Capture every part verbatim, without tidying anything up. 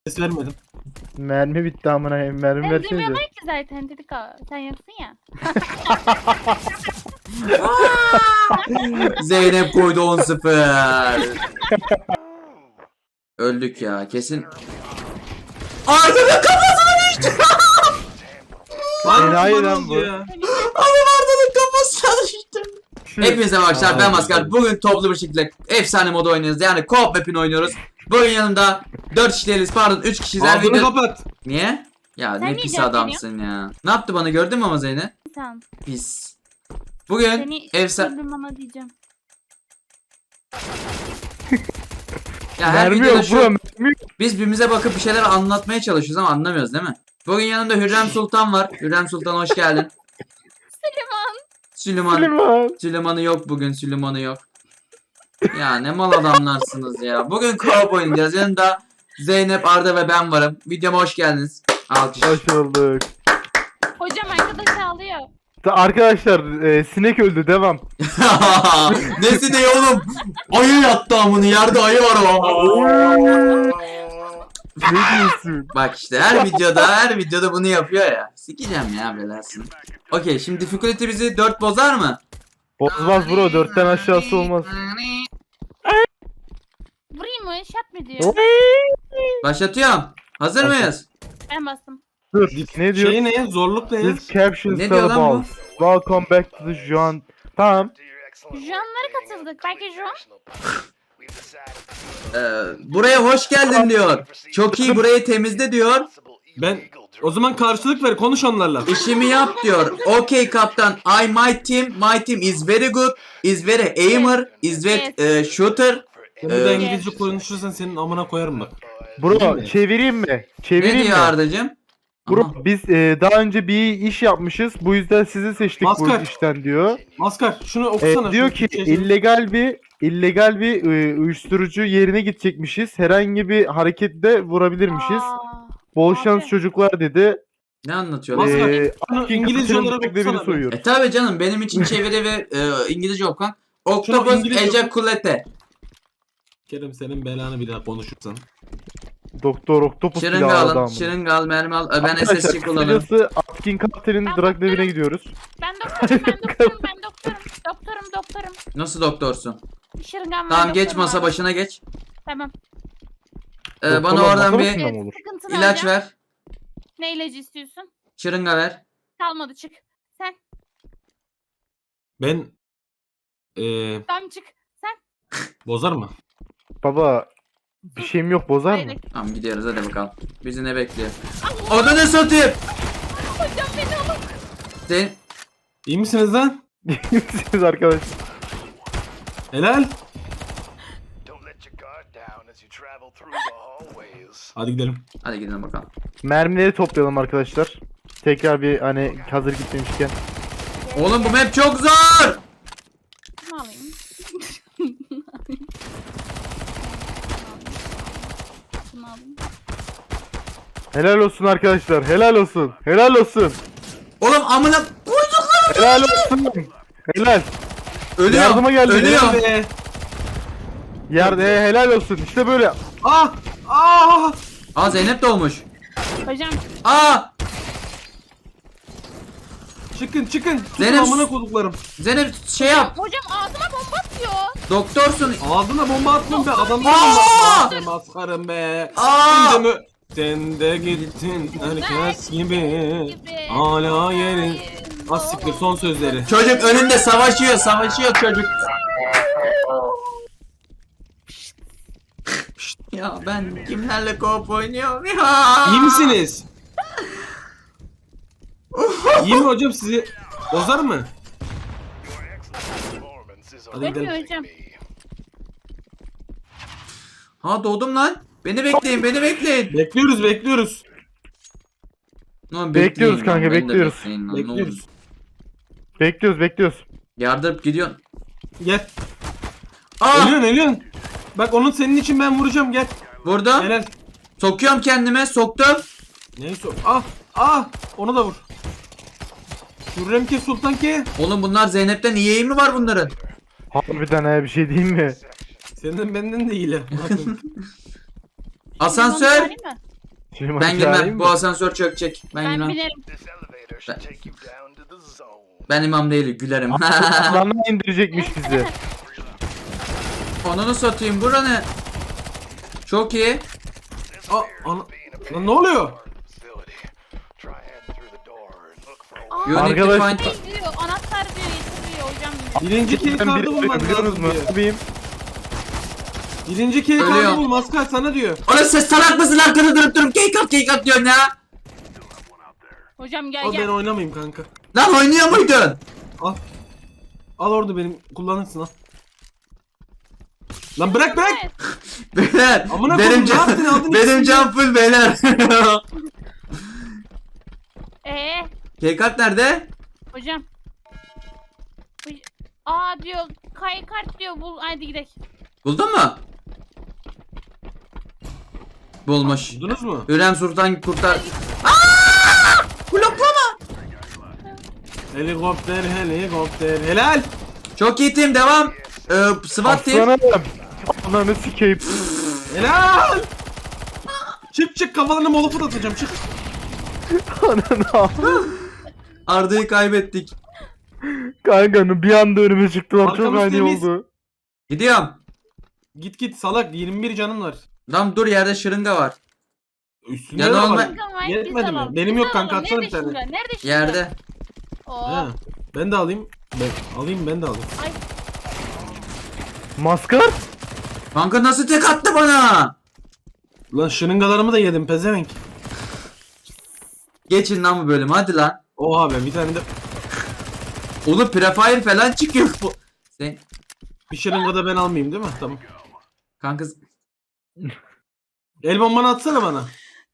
Ses vermedim. Mermi bitti amına koyayım. Mermi Ben versenize. duymuyorum ki zaten dedik o. Sen yoksun ya. Zeynep koydu on sıfır. Öldük ya kesin. Arda'nın kafasına düştü. Lan Enayi ne lan oldu bu. ya? Abi Arda'nın kafasına düştü. Hepinize arkadaşlar ben Maskar. Bugün toplu bir şekilde efsane modu oynuyoruz. Yani co-op map'ini oynuyoruz. Bugün yanımda dört kişiyiz pardon üç kişiyiz. Her Ağzını video... kapat. Niye? Ya Sen ne niye pis cevap adamsın ya. Ne yaptı bana gördün mü ama Zeynep? Tamam. Pis. Bugün Seni efsane... öldürmem ama diyeceğim. Ya her Mermi videoda yok şu... bro. Mermi yok. Biz birbirimize bakıp bir şeyler anlatmaya çalışıyoruz ama anlamıyoruz değil mi? Bugün yanımda Hürrem Sultan var. Hürrem Sultan hoş geldin. Süleyman. Süleyman. Süleyman. Süleyman'ı yok bugün. Süleyman'ı yok. Ya ne mal adamlarsınız ya. Bugün co-op oynayacağız. Yanında Zeynep, Arda ve ben varım. Videoma hoş geldiniz. Alkış. Hoş bulduk. Hocam arkadaş ağlıyor. Ta- Arkadaşlar e, sinek öldü devam. Nesi de oğlum? Ayı yattı amını. Yerde ayı var o. Ne diyorsun? Bak işte her videoda her videoda bunu yapıyor ya. Sikeceğim ya belasını. Okey şimdi difficulty bizi dört bozar mı? Bozmaz bro. Dörtten aşağısı olmaz. Vurayım mı? Şat mı diyor? Başlatıyorum. Hazır mıyız? Ben bastım. Dur. Ne diyor? Şey ne? Zorluk ne? This caption Ne diyor lan bu? balls. Welcome back to the Juan. Tamam. Juan'lara katıldık. Belki Juan. Ee, buraya hoş geldin diyor. Çok iyi burayı temizle diyor. Ben o zaman karşılık ver, konuş onlarla. İşimi yap diyor. Okay kaptan. I my team. My team is very good. Is very aimer. Is very eh, shooter. Sen bir daha Ee, İngilizce konuşursan senin amına koyarım bak. Bro çevireyim mi? Ne Çevireyim diyor mi? Arda'cığım? Bro Aha. biz e, daha önce bir iş yapmışız. Bu yüzden sizi seçtik Maskar. bu işten diyor. Maskar şunu E, okusana. diyor şu ki Türkçesini. illegal bir illegal bir e, uyuşturucu yerine gidecekmişiz. Herhangi bir harekette vurabilirmişiz. Aa, Bol abi. şans çocuklar dedi. Ne anlatıyorlar? Maskar, Ee, şunu Akin İngilizce Kapı'nın olarak devrini okusana. soyuyor. E tabi canım benim için çeviri ve e, İngilizce okuyan. Octopus İngilizce oku. ejaculate. Kerem senin belanı bir daha konuşursan. Doktor Octopus bile Şırınga aldı alın. ama. Şırınga al, mermi al. E, Ben S S C Arkadaşlar kullanırım. kısacası Atkin Kaptan'ın Ben drug doktorum. devine gidiyoruz. Ben doktorum, ben doktorum, ben doktorum. Doktorum, doktorum. Nasıl doktorsun? Şırıngan var. Tamam geç doktorum masa abi. başına geç. Tamam. Ee, bana Doktorlar oradan masa bir başında Evet, mı olur? sıkıntını ilaç alacağım. ver. Ne ilacı istiyorsun? Şırınga ver. Kalmadı çık. Sen Ben eee tam çık. Sen. bozar mı? Baba bir şeyim yok bozar mı? Hayır. Tamam gidiyoruz hadi bakalım. Bizi ne bekliyor? Odanı satayım. Hocam beni alın. Sen... İyi misiniz lan? Siz arkadaşlar. Helal. Don't let your guard down as you travel through the hallways. Hadi gidelim. Hadi gidelim bakalım. Mermileri toplayalım arkadaşlar. Tekrar bir hani hazır gitmemişken. Oğlum bu map çok zor. Bunu alayım. Bunu alayım. Helal olsun arkadaşlar. Helal olsun. Helal olsun. Oğlum amına koyduklarım. Helal olsun. Helal. Ölüyor. Yardıma geldi. Ölüyor. Be. Yerde helal olsun. İşte böyle. Ah! Ah! Aa Zeynep doğmuş. Hocam Aa Çıkın çıkın. Tutun Zeynep- amına koduklarım. Zeynep şey yap. hocam ağzıma bomba atıyor. Doktorsun. Ağzına bomba atmam be. Adamlar Aa! bomba maskarım be. Aa! Sen de mi? Sen de gittin herkes gibi. Hala yerin. Az siktir son sözleri. Çocuk önünde savaşıyor, savaşıyor çocuk. Ya ben kimlerle co-op oynuyorum ya? İyi misiniz? İyi mi hocam sizi? Bozar mı? Your excellent performance is Hadi on gidelim. Ölmüyor hocam. me. Ha doğdum lan. Beni bekleyin, beni bekleyin. Bekliyoruz bekliyoruz. Lan Bekliyoruz bekleyin kanka, lan, beni de bekliyoruz. bekleyin lan, ne Bekliyoruz. olur. Bekliyoruz bekliyoruz. Yardırıp gidiyorsun. Gel. Aa Ölüyorsun ölüyorsun. Bak onun senin için ben vuracağım gel. vurdum. Helal. Sokuyorum kendime, soktum. Neyse. Ah ah onu da vur. Hürrem ke Sultan ke. Oğlum bunlar Zeynep'ten iyi mi var bunların? Harbiden ha bir şey diyeyim mi? Senden benden de iyiler. Bakın. Asansör. Bomba alayım mı? Süleyman Ben çağırayım girmem. mı? Bu asansör çökecek. Ben Ben girmem. binerim. This elevator should take you down to the zone. Ben imam değilim. Gülerim. Alana indirecekmiş bizi. Onunu satayım. Bura ne? Çok iyi. This Aa, appears ana- to be an Lan ne oluyor? part of the facility. Try heading through the door and look for a Aa, You need to Arkadaş- find... şey diyor, anahtar diyor, getiriyor hocam. Birinci key Ben kartı bir bulman biliyoruz lazım mu? diyor. Abim. Birinci key Ölüyor. kartı bul maskar sana diyor. Oğlum ses salak mısın? Arkada durup durup keykat keykat diyorsun ya. Hocam gel Al ben gel. oynamayayım kanka. Lan oynuyor muydun? Al. Al orada benim kullanırsın al. Lan bırak bırak. Evet. Beyler. Amına Benim koydum, ne can, yaptın, aldın benim ikisini. can full beyler. Ee, Keykat nerede? hocam. Hoc- Aa diyor, kay kart diyor, bul, hadi gidelim. Buldun mu? Bulmuş. Buldunuz mu? Hürrem Sultan kurtar. Bloklama. Helikopter helikopter helal. Çok iyi team devam. Ee, SWAT team. Aslanım. Ananı sikeyim. Helal. Çık çık kafalarına molotof atacağım çık. Ananı al. Arda'yı kaybettik. Kanka bir anda önüme çıktılar. Çok Arkamız ani temiz. oldu. Gidiyorum. Git git salak yirmi bir canım var. Lan dur yerde şırınga var. Üstünde Ya de normal- var. Hocam, var, Yetmedi biz mi? alalım, Benim biz yok kanka, alalım. atsana Nerede bir tane. şimdi? Nerede şimdi? Yerde. Oo. He. Ben de alayım. Ben alayım ben de alayım. Ay, Maskar? Kanka nasıl tek attı bana? Lan şırıngalarımı da yedim pezevenk. Geçin lan bu bölüm hadi lan. Oha be bir tane de Oğlum prefire falan çıkıyor bu. Sen bir şırınga da ben almayayım değil mi? Tamam. kanka El bombanı atsana bana.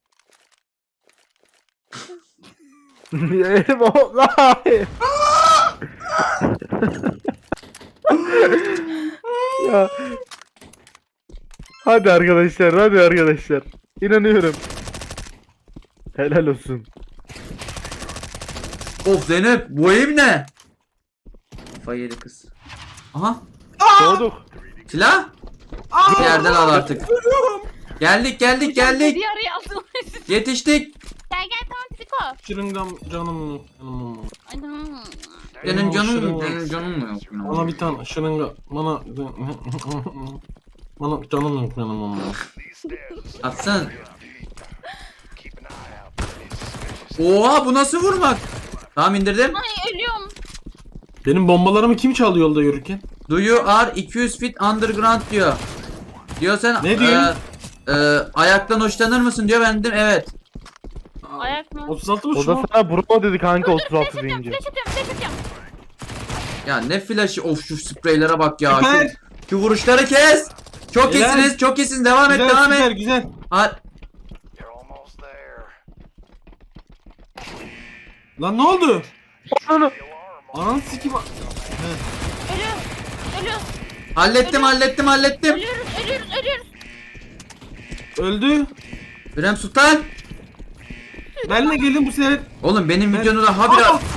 Elim o- Hayır. Ya. Hadi arkadaşlar, hadi arkadaşlar. İnanıyorum. Helal olsun. of Zeynep bu ev ne? Kafayı yedi kız. Aha Doğduk. silah. Bir yerden al artık. Geldik geldik geldik. Bir araya aldım. Yetiştik. Gel gel, tamam Tiko. Şırıngam canım. canım. Ay, tamam. Senin Benim canın şırınga. senin canın mı yok? ya? Bana bir tane şırınga. Bana bana canım yok canım. These stairs Atsana. keep an eye out for any suspicious. Oha bu nasıl vurmak? Tamam indirdim. Ay ölüyorum. Benim bombalarımı kim çaldı yolda yürürken? Do you are iki yüz feet underground diyor. Diyor sen Ne diyor? e, e, ayaktan hoşlanır mısın diyor ben dedim evet. Ayak mı? otuz altı mı O şu da an? sana bravo dedi kanka Dur dur, flash otuz altı atıyorum, deyince. flash atıyorum, flash atıyorum. Ya ne flash'ı of şu spreylere bak ya. Süper. Şu, şu vuruşları kes. Çok Helal. iyisiniz çok iyisiniz devam et Güzel devam güzel et. güzel. Ha, You're almost there. Lan ne oldu? Ananı. The alarm Ananı sikim. Ölüyoruz. Ölüyoruz. hallettim hallettim hallettim. Ölüyoruz. Ölüyoruz. Ölüyoruz. Öldü. Hürrem Sultan. Benle gelin bu sefer. Oğlum benim Ben- videonu da habire. Aa!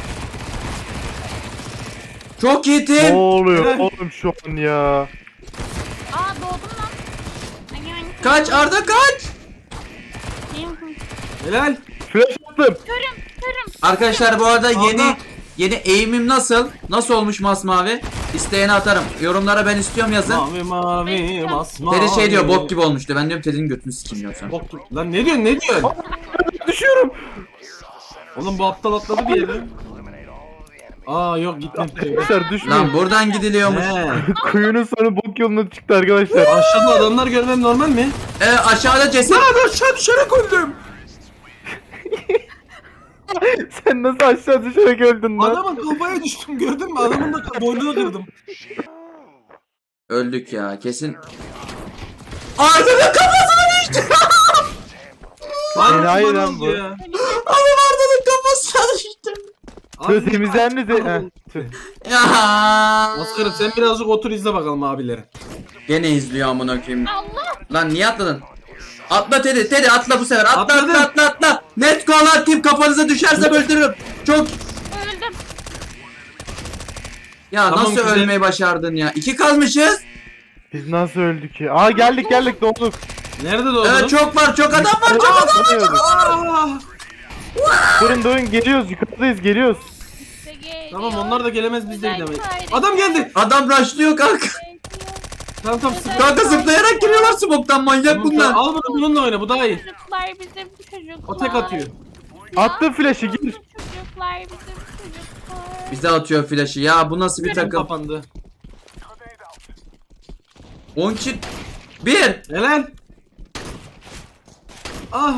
Çok iyi Ne team. oluyor Helal. oğlum şu an ya? Aa doğdum lan. Ay, ay, Kaç Arda kaç. ay. Helal. Flash attım. Körüm. Körüm. Arkadaşlar bu arada yeni Arda. yeni eğimim nasıl? Nasıl olmuş masmavi? İsteyene atarım. Yorumlara ben istiyorum yazın. Mavi mavi masmavi. Teddy şey diyor bok gibi olmuştu. Ben diyorum Teddy'nin götünü sikeyim diyorum sana. Bok gibi. Lan ne diyorsun ne diyorsun? Düşüyorum. Oğlum bu aptal atladı bir yere. Aa yok gittim. Arkadaşlar düşmeyin. Lan buradan gidiliyormuş. He. Kuyunun sonu bok yoluna çıktı arkadaşlar. Aşağıda adamlar görmem normal mi? Ee, aşağıda ceset. Lan aşağı düşerek öldüm. Sen nasıl aşağı düşerek öldün lan? Adamın kafaya düştüm gördün mü? Adamın da boynunu kırdım. Öldük ya kesin. Arda'nın kafasına düştü. Lan Enayi kurban lan oldu bu. ya. Oğlum Arda'nın kafasına düştü. Şöyle temizler mi? Heh, tüh. Ya. Askarım sen birazcık otur izle bakalım abileri. Gene izliyor amına koyayım. Allah. Lan niye atladın? Atla Teddy, Teddy atla bu sefer. Atla Atladım. atla atla atla. Net kolar kim kafanıza düşerse öldürürüm. Çok. Öldüm. Ya Tamam, nasıl güzel. ölmeyi başardın ya? İki kalmışız. Biz nasıl öldük ya? Aa geldik geldik doğduk. Nerede doğdun? Evet çok var çok adam var çok adam var. Aa! Durun durun geliyoruz yukarıdayız geliyoruz. İşte geliyor. Tamam onlar da gelemez biz de Güzel gidemeyiz. kardeşim. Adam geldi. Adam rushlıyor kanka. Tamam tamam sıkı. Kanka zıplayarak giriyorlar smoke'tan manyak Tamam, bunlar. tamam. Al bunu bununla oyna bu daha iyi. Çocuklar bizim çocuklar. O tek atıyor. Attım flash'ı gir. Bizim çocuklar bizim çocuklar. Bize atıyor flash'ı ya bu nasıl bir Takım takım. kapandı. on kişi. Bir. Helal. Ah.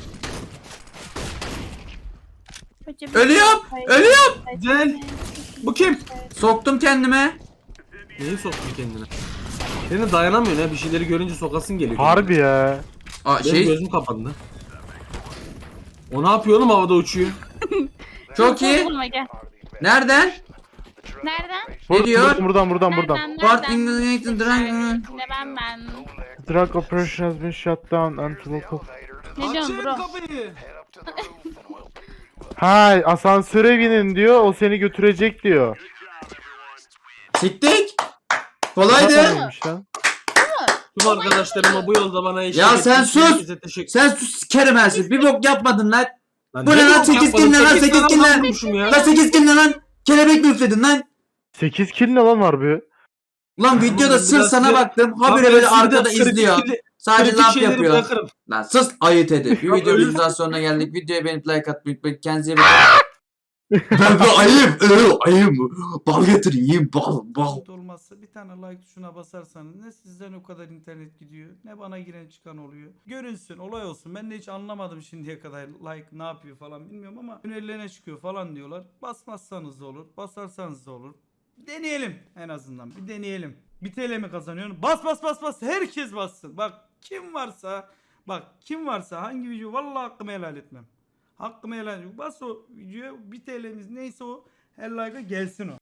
Ölüyorum. Ölüyorum. Güzel. Bu kim? Soktum kendime. Neyi soktun kendine? Senin dayanamıyorsun ha bir şeyleri görünce sokasın geliyor. Harbi ya. Aa Benim şey gözüm kapandı. O ne yapıyor oğlum havada uçuyor? çok iyi. Vurma, gel. Nereden? Nereden? Ne diyor? Buradan buradan buradan. Nereden? Part Nereden? Ignited Dragon. Ne ben ben. Drug operation has been shut down until local. Ne diyorsun Açın bro? kapıyı. Ha asansöre binin diyor o seni götürecek diyor. Siktik. Kolaydı. Neymiş lan? Tüm arkadaşlarıma bu yolda bana eşlik Ya sen ettiğiniz sus! herkese teşekkür Sen sus sikerim her şeyi. Bir bok yapmadın lan. Lan Bu ne ne lan? bok Sekiz yapmadım? kill ne lan? Sekiz Sekiz tane kill lan? vurmuşum ya. Lan sekiz kill ne lan? Kelebek mi üfledin lan? sekiz kill ne lan harbi? Ulan videoda Biraz sır sana size- baktım. Bak Habire ben böyle sizi de arkada kritik- izliyor. kritik- Sadece kritik laf şeyleri yapıyor. bırakırım. Lan sus ayıt edin. Bir Bak videomuzun öyle- daha sonuna geldik. Videoya beğenip like atmayı unutmayın. Kendinize iyi bakın. Ben bu ayım. ıı, Ayım. Bal getireyim. Bal bal. Internet olmazsa bir tane like tuşuna basarsanız ne sizden o kadar internet gidiyor ne bana giren çıkan oluyor. Görünsün olay olsun. Ben de hiç anlamadım şimdiye kadar like ne yapıyor falan bilmiyorum ama önerilerine çıkıyor falan diyorlar. Basmazsanız da olur, basarsanız da olur. Deneyelim en azından bir deneyelim. Bir T L mi kazanıyorsun? Bas bas bas bas herkes bassın. Bak kim varsa bak kim varsa hangi video vallahi hakkımı helal etmem. Hakkımı helal etmem. Bas o videoya bir T L'miz neyse o her like'a gelsin o.